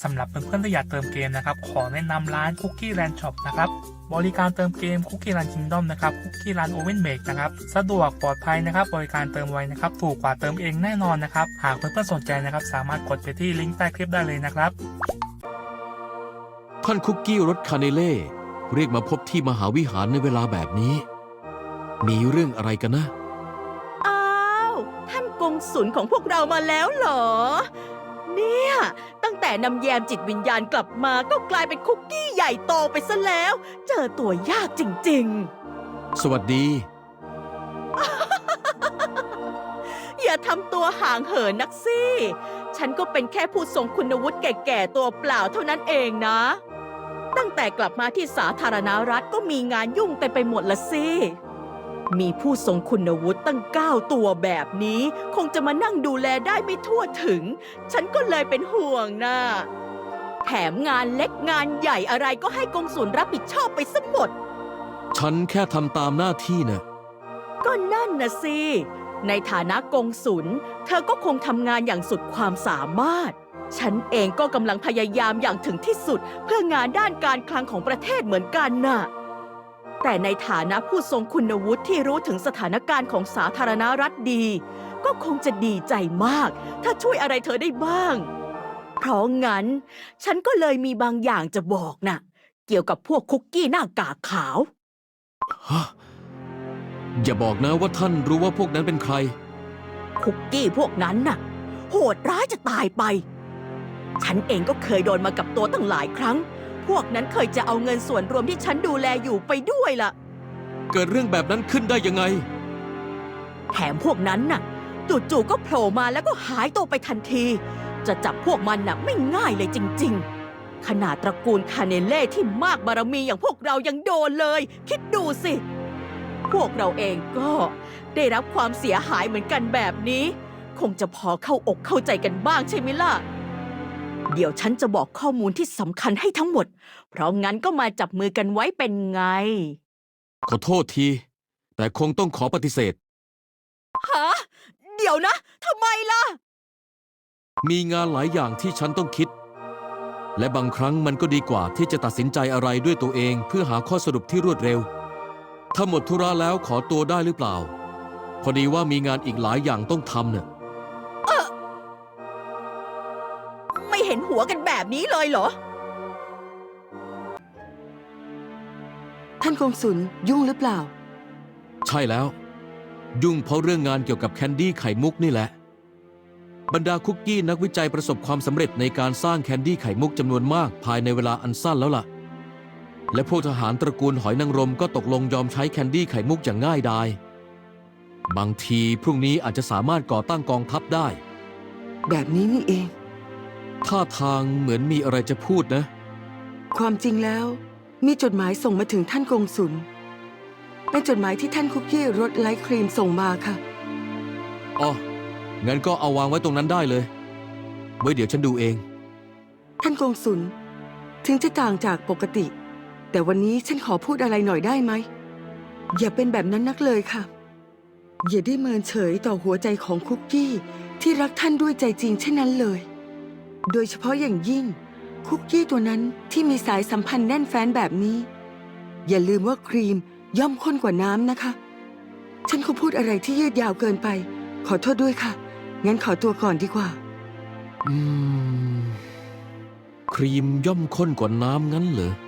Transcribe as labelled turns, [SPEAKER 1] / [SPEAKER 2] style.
[SPEAKER 1] สำหรับเพื่อนๆที่อยากเติมเกมนะครับขอแนะนำร้าน Cookie Land Shop นะครับบริการเติมเกม Cookie Land Kingdom นะครับ Cookie Land Oven Make นะครับสะดวกปลอดภัยนะครับบริการเติมไวนะครับถูกกว่าเติมเองแน่นอนนะครับหากเพื่อนๆสนใจนะครับสามารถกดไปที่ลิงก์ใต้คลิปได้เลยนะครับ
[SPEAKER 2] ท่านคุกกี้รสคาเนเล่เรียกมาพบที่มหาวิหารในเวลาแบบนี้มีเรื่องอะไรกันนะ
[SPEAKER 3] อ้าวท่านกงสุลของพวกเรามาแล้วเหรอเนี่ยตั้งแต่นำแยมจิตวิญญาณกลับมาก็กลายเป็นคุกกี้ใหญ่โตไปซะแล้ว เจอตัวยากจริง
[SPEAKER 2] สวัสดี
[SPEAKER 3] ๆ อย่าทำตัวห่างเหินนักสิฉันก็เป็นแค่ผู้ทรงคุณวุฒิแก่ๆตัวเปล่าเท่านั้นเองนะ ตั้งแต่กลับมาที่สาธารณรัฐก็มีงานยุ่งเต็มไปหมดละสิมีผู้ทรงคุณวุฒิตั้ง9 ตัวแบบนี้คงจะมานั่งดูแลได้ไม่ทั่วถึง ฉันก็เลยเป็นห่วงนะแถมงานเล็กงานใหญ่อะไรก็ให้กงสุลรับผิดชอบไปซะหมด
[SPEAKER 2] ฉันแค่ทำตามหน้าที่นะ
[SPEAKER 3] ก็นั่นนะสิในฐานะกงสุลเธอก็คงทำงานอย่างสุดความสามารถฉันเองก็กำลังพยายามอย่างถึงที่สุดเพื่องานด้านการคลังของประเทศเหมือนกันน่ะแต่ในฐานะผู้ทรงคุณวุฒิที่รู้ถึงสถานการณ์ของสาธารณรัฐดี ก็คงจะดีใจมากถ้าช่วยอะไรเธอได้บ้างเพราะงั้นฉันก็เลยมีบางอย่างจะบอกน่ะเกี่ยวกับพวกคุกกี้หน้ากากขาว
[SPEAKER 2] ฮะอย่าบอกนะว่าท่านรู้ว่าพวกนั้นเป็นใคร
[SPEAKER 3] คุกกี้พวกนั้นน่ะโหดร้ายจะตายไปฉันเองก็เคยโดนมากับตัวตั้งหลายครั้งพวกนั้นเคยจะเอาเงินส่วนรวมที่ฉันดูแลอยู่ไปด้วยล่ะ
[SPEAKER 2] เกิดเรื่องแบบนั้นขึ้นได้ยังไง
[SPEAKER 3] แถมพวกนั้นน่ะจู่ๆก็โผล่มาแล้วก็หายตัวไปทันทีจะจับพวกมันน่ะไม่ง่ายเลยจริงๆขนาดตระกูลคาเนเล่ที่มากบารมีอย่างพวกเรายังโดนเลยคิดดูสิพวกเราเองก็ได้รับความเสียหายเหมือนกันแบบนี้คงจะพอเข้าอกเข้าใจกันบ้างใช่ไหมล่ะเดี๋ยวฉันจะบอกข้อมูลที่สำคัญให้ทั้งหมดเพราะงั้นก็มาจับมือกันไว้เป็นไง
[SPEAKER 2] ขอโทษที แต่คงต้องขอปฏิเสธ
[SPEAKER 3] ฮะเดี๋ยวนะทำไมล่ะ
[SPEAKER 2] มีงานหลายอย่างที่ฉันต้องคิด และบางครั้งมันก็ดีกว่าที่จะตัดสินใจอะไรด้วยตัวเองเพื่อหาข้อสรุปที่รวดเร็ว ถ้าหมดธุระแล้วขอตัวได้หรือเปล่า พอดีว่ามีงานอีกหลายอย่างต้องทำเนี่ย
[SPEAKER 3] ไม่เห็นหัวกันแบบนี้เลยเหรอ
[SPEAKER 4] ท่านกงสุลยุ่งหรือเปล่า
[SPEAKER 2] ใช่แล้ว ยุ่งเพราะเรื่องงานเกี่ยวกับแคนดี้ไข่มุกนี่แหละ บรรดาคุกกี้นักวิจัยประสบความสำเร็จในการสร้างแคนดี้ไข่มุกจำนวนมากภายในเวลาอันสั้นแล้วล่ะ และพวกทหารตระกูลหอยนางรมก็ตกลงยอมใช้แคนดี้ไข่มุกอย่างง่ายดายบางทีพรุ่งนี้อาจจะสามารถก่อตั้งกองทัพได้
[SPEAKER 4] แบบนี้นี่เอง
[SPEAKER 2] ท่าทางเหมือนมีอะไรจะพูดนะ
[SPEAKER 4] ความจริงแล้ว มีจดหมายส่งมาถึงท่านกงสุลเป็นจดหมายที่ท่านคุกกี้รสไลท์ครีมส่งมาค่ะ
[SPEAKER 2] อ๋อ งั้นก็เอาวางไว้ตรงนั้นได้เลย ไว้เดี๋ยวฉันดูเอง
[SPEAKER 4] ท่านกงสุลถึงจะต่างจากปกติ แต่วันนี้ฉันขอพูดอะไรหน่อยได้ไหม อย่าเป็นแบบนั้นนักเลยค่ะ อย่าได้เมินเฉยต่อหัวใจของคุกกี้ที่รักท่านด้วยใจจริงเช่นนั้นเลย โดยเฉพาะอย่างยิ่งคุกกี้ตัวนั้นที่มีสายสัมพันธ์แน่นแฟ้นแบบนี้ อย่าลืมว่าครีมย่อมข้นกว่าน้ำนะคะ ฉันคงพูดอะไรที่ยืดยาวเกินไป ขอโทษด้วยค่ะ งั้นขอตัวก่อนดีกว่า
[SPEAKER 2] ครีมย่อมข้นกว่าน้ำงั้นเหรอ